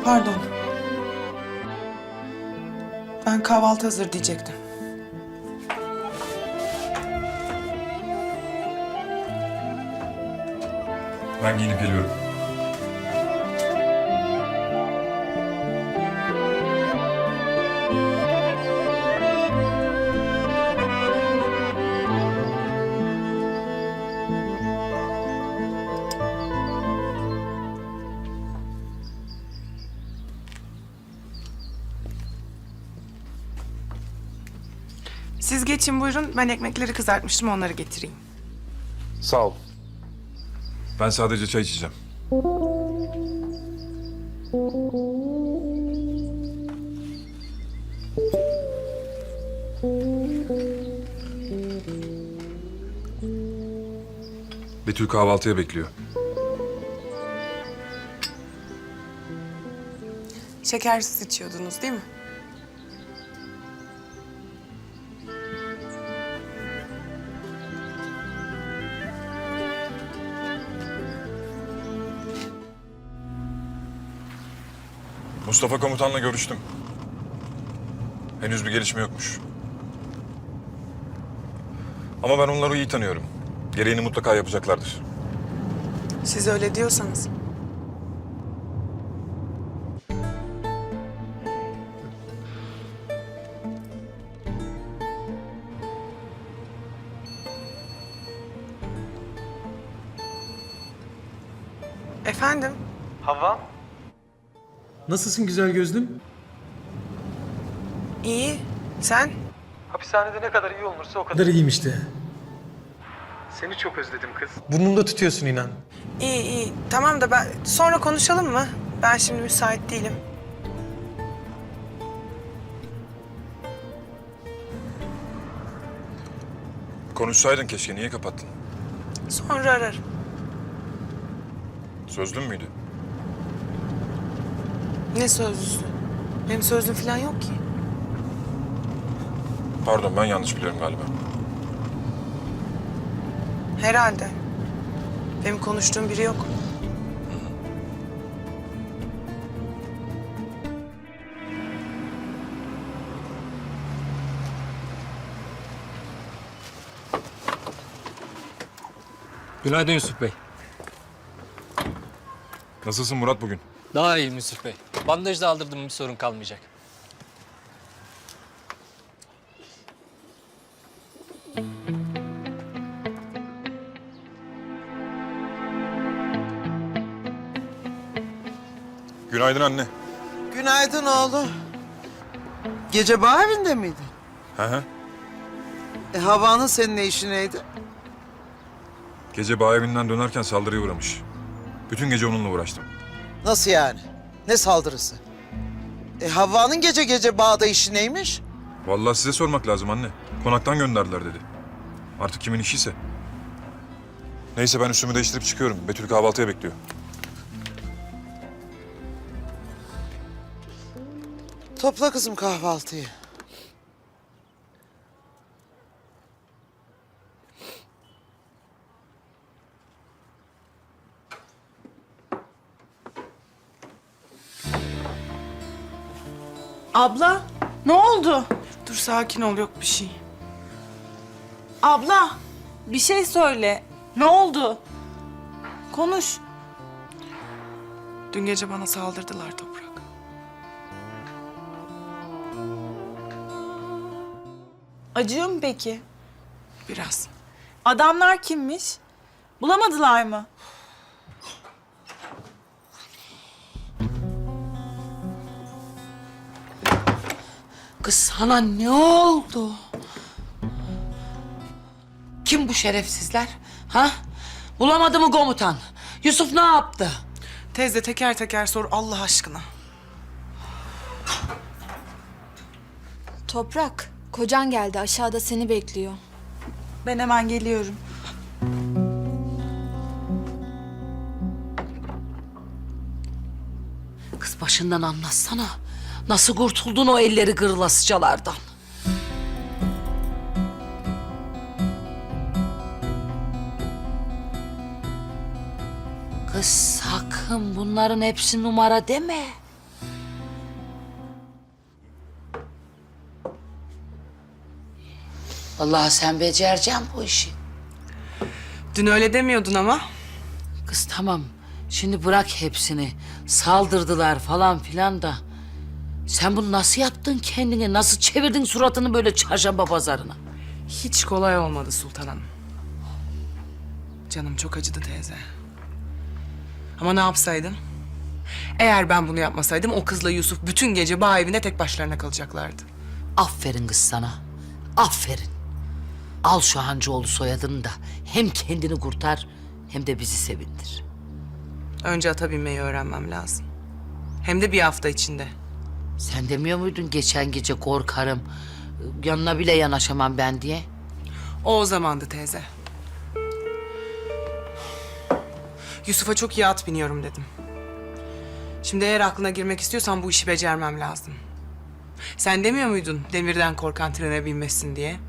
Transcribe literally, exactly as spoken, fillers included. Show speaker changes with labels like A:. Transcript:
A: Pardon. Ben kahvaltı hazır diyecektim.
B: Ben giyinip geliyorum.
A: Siz geçin buyurun. Ben ekmekleri kızartmıştım, onları getireyim.
B: Sağ ol. Ben sadece çay içeceğim. Betül kahvaltıya bekliyor.
A: Şekersiz içiyordunuz değil mi?
B: Mustafa komutanla görüştüm. Henüz bir gelişme yokmuş. Ama ben onları iyi tanıyorum. Gereğini mutlaka yapacaklardır.
A: Siz öyle diyorsanız. Efendim?
C: Havva,
D: Nasılsın güzel gözlüm?
A: İyi. Sen?
C: hapishanede ne kadar iyi olursa o
D: Ne
C: kadar.
D: kadar iyiyim işte.
C: Seni çok özledim kız.
D: Burnumda tutuyorsun inan.
A: İyi iyi. Tamam da ben sonra konuşalım mı? Ben şimdi müsait değilim.
B: Konuşsaydın keşke. Niye kapattın?
A: Sonra ararım.
B: Sözlü müydü?
A: Ne sözlüsü? Benim sözlüm falan yok ki.
B: Pardon, ben yanlış biliyorum galiba.
A: Herhalde. Benim konuştuğum biri yok.
E: Günaydın Yusuf Bey.
B: Nasılsın Murat bugün?
E: Daha iyiyim Yusuf Bey. Bandaj da aldırdım, bir sorun kalmayacak.
B: Günaydın anne.
F: Günaydın oğlum. Gece bağ evinde miydin?
B: Hı hı.
F: E, Havva'nın senin ne işi neydi?
B: Gece bağ evinden dönerken saldırıya uğramış. Bütün gece onunla uğraştım.
F: Nasıl yani? Ne saldırısı? E, Havva'nın gece gece bağda işi neymiş?
B: Vallahi size sormak lazım anne. Konaktan gönderdiler dedi. Artık kimin işiyse. Neyse ben üstümü değiştirip çıkıyorum. Betül kahvaltıya bekliyor.
F: Topla kızım kahvaltıyı.
G: Abla, ne oldu?
A: Dur sakin ol, yok bir şey.
G: Abla, bir şey söyle. Ne oldu? Konuş.
A: Dün gece bana saldırdılar Toprak.
G: Acıyor mu peki?
A: Biraz.
G: Adamlar kimmiş? Bulamadılar mı?
H: Kız sana ne oldu? Kim bu şerefsizler? Ha? Bulamadı mı komutan? Yusuf ne yaptı?
A: Teyze teker teker sor Allah aşkına.
I: Toprak, kocan geldi. Aşağıda seni bekliyor.
G: Ben hemen geliyorum.
H: Kız başından anlatsana. Nasıl kurtuldun o elleri gırlasıcalardan? Kız sakın bunların hepsi numara deme. Vallahi sen becereceksin bu işi.
A: Dün öyle demiyordun ama.
H: Kız tamam. Şimdi bırak hepsini. Saldırdılar falan filan da. Sen bunu nasıl yaptın kendine? Nasıl çevirdin suratını böyle çarşamba pazarına?
A: Hiç kolay olmadı Sultan Hanım. Canım çok acıdı teyze. Ama ne yapsaydım? Eğer ben bunu yapmasaydım o kızla Yusuf bütün gece bağ evinde tek başlarına kalacaklardı.
H: Aferin kız sana. Aferin. Al şu Hancıoğlu soyadını da hem kendini kurtar hem de bizi sevindir.
A: Önce ata binmeyi öğrenmem lazım. Hem de bir hafta içinde.
H: Sen demiyor muydun geçen gece korkarım, yanına bile yanaşamam ben diye?
A: O o zamandı teyze. Yusuf'a çok iyi at biniyorum dedim. Şimdi eğer aklına girmek istiyorsan bu işi becermem lazım. Sen demiyor muydun demirden korkan trene binmesin diye?